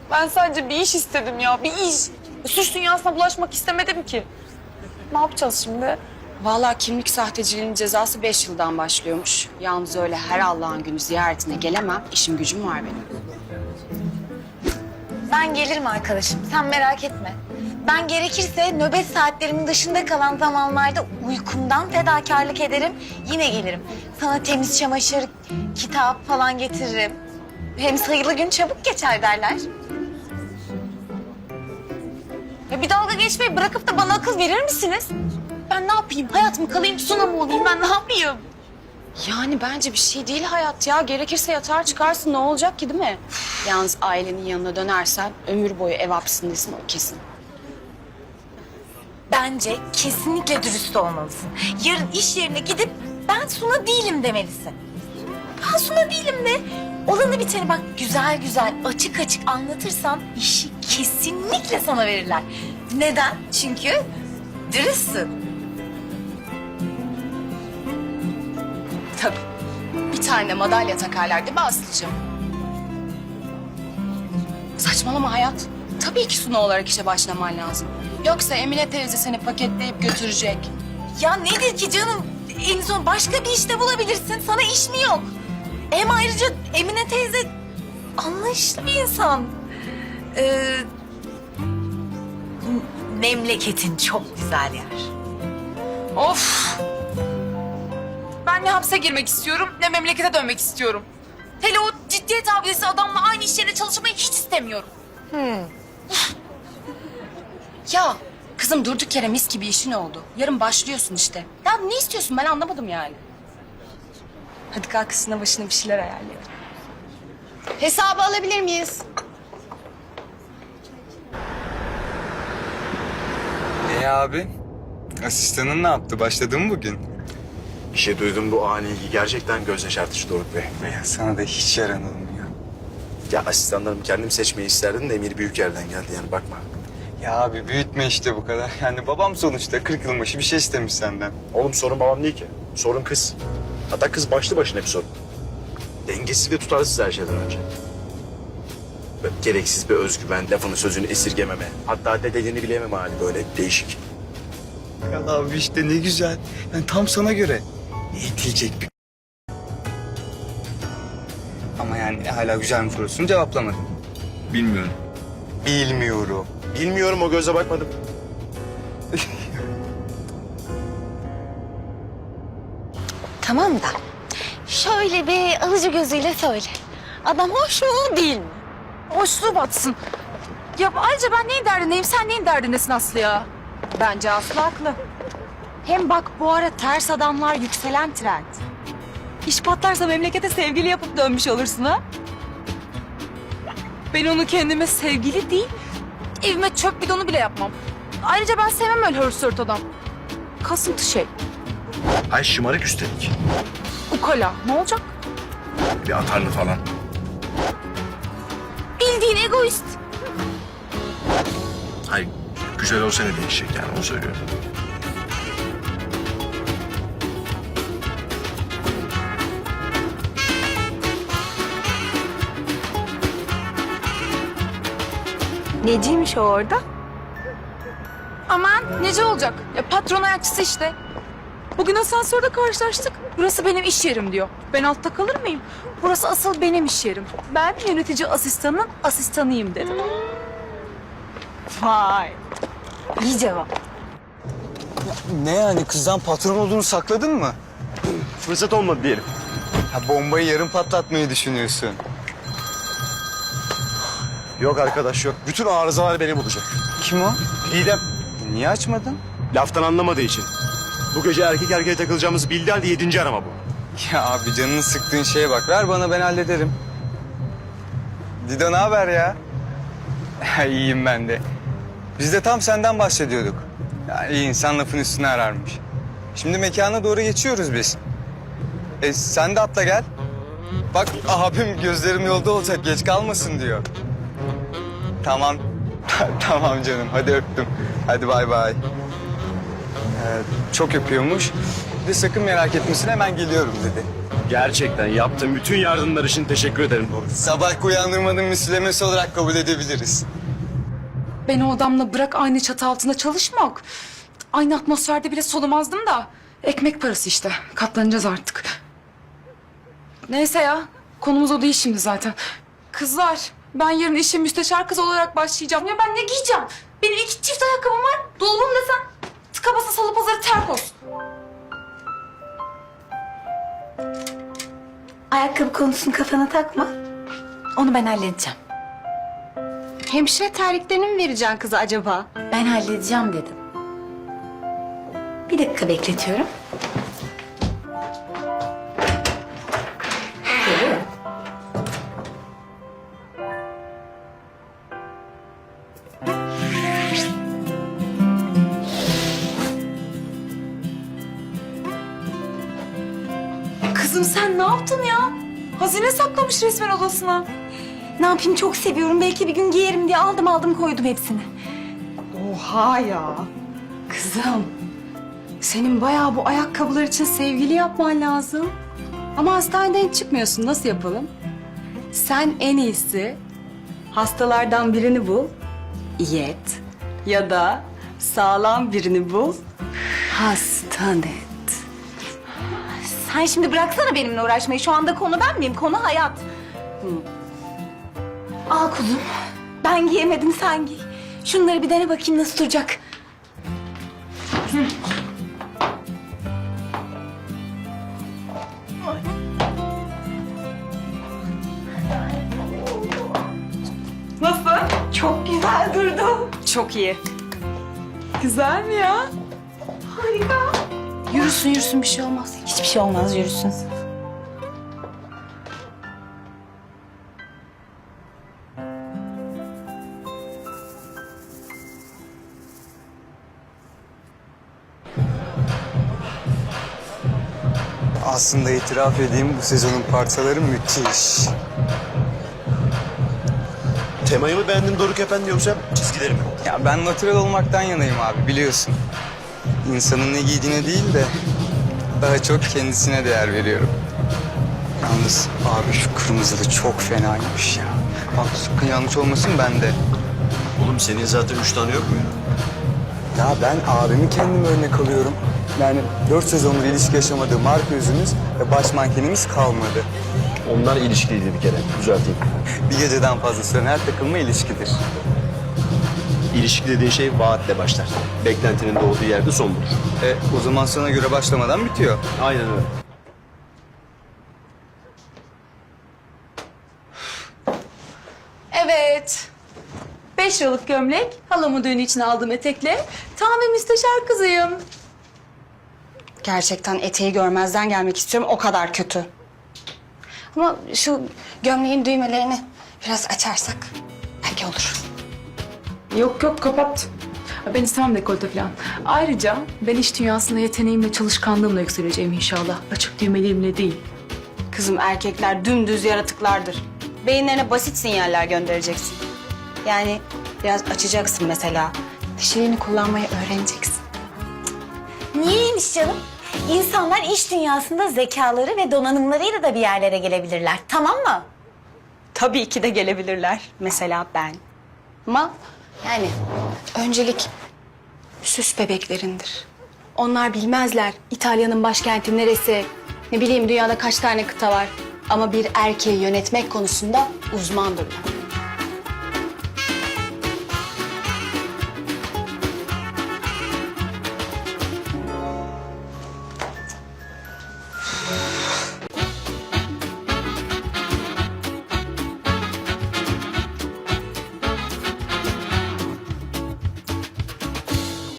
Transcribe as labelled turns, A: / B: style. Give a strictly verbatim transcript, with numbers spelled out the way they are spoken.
A: Ben sadece bir iş istedim ya, bir iş. Suç dünyasına bulaşmak istemedim ki. Ne yapacağız şimdi?
B: Vallahi kimlik sahteciliğinin cezası beş yıldan başlıyormuş. Yalnız öyle her Allah'ın günü ziyaretine gelemem. İşim gücüm var benim.
C: Ben gelirim arkadaşım, sen merak etme. Ben gerekirse nöbet saatlerimin dışında kalan zamanlarda uykumdan fedakarlık ederim. Yine gelirim. Sana temiz çamaşır, kitap falan getiririm. Hem sayılı gün çabuk geçer derler. Ya bir dalga geçmeyi bırakıp da bana akıl verir misiniz? Ben ne yapayım? Hayat mı kalayım, Suna mı olayım? Ben ne yapayım?
B: Yani bence bir şey değil hayat ya. Gerekirse yatar çıkarsın, ne olacak ki değil mi? Yalnız ailenin yanına dönersen ömür boyu ev hapisindesin, o kesin.
C: Bence kesinlikle dürüst olmalısın. Yarın iş yerine gidip ben Suna değilim demelisin. Ben Suna değilim de olanı biteni bak güzel güzel açık açık anlatırsan işi kesinlikle sana verirler. Neden? Çünkü dürüstsün.
B: Tabii. Bir tane madalya takarlar değil mi Aslı'cığım? Saçmalama hayat. Tabii ki Suna olarak işe başlaman lazım. Yoksa Emine teyze seni paketleyip götürecek.
C: Ya nedir ki canım? En son başka bir işte bulabilirsin. Sana iş mi yok? Hem ayrıca Emine teyze anlayışlı bir insan. Ee, memleketin çok güzel yer.
A: Of! Ben ne hapse girmek istiyorum, ne memlekete dönmek istiyorum. Hele o ciddiyet abidesi adamla aynı iş yerine çalışmayı hiç istemiyorum.
B: Ya kızım durduk yere mis gibi işin oldu. Yarın başlıyorsun işte. Ya ne istiyorsun ben anlamadım yani. Hadi kalk üstüne başına bir şeyler ayarlayalım. Hesabı alabilir miyiz?
D: E abi? Asistanın ne yaptı? Başladı mı bugün?
E: Bir şey duydum bu ani ilgi gerçekten göz yaşartıcı Doruk Bey.
D: Ya sana da hiç yaranalım ya.
E: Ya asistanlarımı kendim seçmeyi isterdim de Emir büyük yerden geldi yani bakma.
D: Ya abi büyütme işte bu kadar. Yani babam sonuçta kırk yıl başı bir şey istemiş senden.
E: Oğlum sorun babam değil ki. Sorun kız. Hatta kız başlı başına bir sorun. Dengesiz ve tutarsız her şeyden önce. Böyle gereksiz bir özgüven, lafını sözünü esirgememe. Hatta dediğini bilememe hali böyle değişik.
D: Ya abi işte ne güzel. Yani tam sana göre. Eğitilecek bir... Ama yani hala güzel mi sorusunu cevaplamadım. Bilmiyorum. Bilmiyorum.
E: Bilmiyorum o göze bakmadım.
C: Tamam da şöyle bir alıcı gözüyle söyle. Adam hoş mu değil mi?
A: Hoşluğu batsın. Ya ayrıca ben neyin derdindeyim, sen neyin derdindesin Aslı ya?
B: Bence Aslı haklı. Hem bak bu ara ters adamlar yükselen trend. İş patlarsa memlekete sevgili yapıp dönmüş olursun ha.
A: Ben onu kendime sevgili değil, evime çöp bidonu bile yapmam. Ayrıca ben sevmem öyle hırsırt adam. Kasıntı şey,
E: Ay şımarık üstelik.
A: ukala. Ne olacak?
E: Bir atarlı falan.
A: Bildiğin egoist.
E: Hayır güzel olsa ne değişecek yani onu söylüyorum.
C: Neciymiş o orada?
A: Aman nece olacak? Ya patron ayakçısı işte. Bugün asansörde karşılaştık. Burası benim iş yerim diyor. Ben altta kalır mıyım? Burası asıl benim iş yerim. Ben yönetici asistanının asistanıyım dedim.
C: Vay. İyi cevap.
D: Ne yani kızdan patron olduğunu sakladın mı?
E: Fırsat olmadı diyelim.
D: Ha bombayı yarım patlatmayı düşünüyorsun.
E: Yok arkadaş yok. Bütün arızalar beni bulacak.
D: Kim o?
E: Didem.
D: Niye açmadın?
E: Laftan anlamadığı için. Bu gece erkek erkeğe takılacağımızı bildi halde yedinci arama bu.
D: Ya abi canını sıktığın şeye bak. Ver bana ben hallederim. Dido ne haber ya? Ya iyiyim ben de. Biz de tam senden bahsediyorduk. Yani iyi insan lafın üstüne ararmış. Şimdi mekana doğru geçiyoruz biz. E sen de atla gel. Bak abim gözlerim yolda olacak geç kalmasın diyor. Tamam. Tamam canım hadi öptüm. Hadi bay bay. Ee, çok öpüyormuş. Bir de sakın merak etmesin hemen geliyorum dedi.
E: Gerçekten yaptığın bütün yardımlar için teşekkür ederim Doruk.
D: Sabah uyandırmanın müslemesi olarak kabul edebiliriz.
A: Ben o adamla bırak aynı çatı altında çalışmak. Aynı atmosferde bile solumazdım da. Ekmek parası işte. Katlanacağız artık. Neyse ya. Konumuz o değil şimdi zaten. Kızlar, ben yarın işe müsteşar kız olarak başlayacağım. Ya ben ne giyeceğim? Benim iki çift ayakkabım var. Dolabım desen tıka basa salı pazarı terkos.
C: Ayakkabı konusunu kafana takma. Onu ben halledeceğim.
B: Hemşire terliklerini mi vereceksin kıza acaba?
C: Ben halledeceğim dedim. Bir dakika bekletiyorum. Geliyor.
A: Kızım sen ne yaptın ya? Hazine saklamış resmen odasına.
C: Ne yapayım, çok seviyorum. Belki bir gün giyerim diye aldım aldım koydum hepsini.
B: Oha ya. Kızım, senin bayağı bu ayakkabılar için sevgili yapman lazım. Ama hastaneden hiç çıkmıyorsun. Nasıl yapalım? Sen en iyisi hastalardan birini bul, iyi et. Ya da sağlam birini bul, hastan et.
C: Sen şimdi bıraksana benimle uğraşmayı. Şu anda konu ben miyim? Konu hayat. Al kuzum. Ben giyemedim, sen giy. Şunları bir dene bakayım nasıl duracak.
A: Nasıl?
C: Çok güzel durdu.
B: Çok iyi.
A: Güzel mi ya?
C: Harika.
B: Yürüsün yürüsün bir şey olmaz.
C: Hiçbir şey olmaz, yürüsün.
D: Aslında itiraf edeyim, bu sezonun parçaları müthiş.
E: Temayı mı beğendin Doruk Efendi yoksa çizgileri mi?
D: Ya ben natural olmaktan yanayım abi, biliyorsun. İnsanın ne giydiğine değil de daha çok kendisine değer veriyorum. Yalnız abi şu kırmızılı çok fenaymış ya. Bak sakın yanlış olmasın bende.
E: Oğlum senin zaten üç tane yok mu ya?
D: Ya ben abimi kendim örnek alıyorum. Yani dört sezondur ilişki yaşamadığı marka yüzümüz ve baş mankenimiz kalmadı.
E: Onlar ilişkiliydi bir kere. Düzelteyim.
D: Bir geceden fazla süren her takılma ilişkidir.
E: İlişki dediğin şey vaatle başlar. Beklentinin doğduğu yerde son bulur.
D: E o zaman sana göre başlamadan bitiyor.
E: Aynen öyle.
A: Evet. Beş yıllık gömlek, halamın düğünü için aldığım etekle tam bir müsteşar kızıyım.
B: Gerçekten eteği görmezden gelmek istiyorum. O kadar kötü. Ama şu gömleğin düğmelerini biraz açarsak belki olur.
A: Yok yok kapat. Ben istemem dekolte falan. Ayrıca ben iş dünyasında yeteneğimle, çalışkanlığımla yükseleceğim inşallah. Açık düğmelerimle değil.
B: Kızım erkekler dümdüz yaratıklardır. Beyinlerine basit sinyaller göndereceksin. Yani biraz açacaksın mesela. Dişlerini kullanmayı öğreneceksin.
C: Niyeymiş canım? İnsanlar iş dünyasında zekaları ve donanımlarıyla da bir yerlere gelebilirler. Tamam mı?
B: Tabii ki de gelebilirler. Mesela ben. Ama yani öncelik süs bebeklerindir. Onlar bilmezler İtalya'nın başkenti neresi, ne bileyim dünyada kaç tane kıta var. Ama bir erkeği yönetmek konusunda uzmandırlar.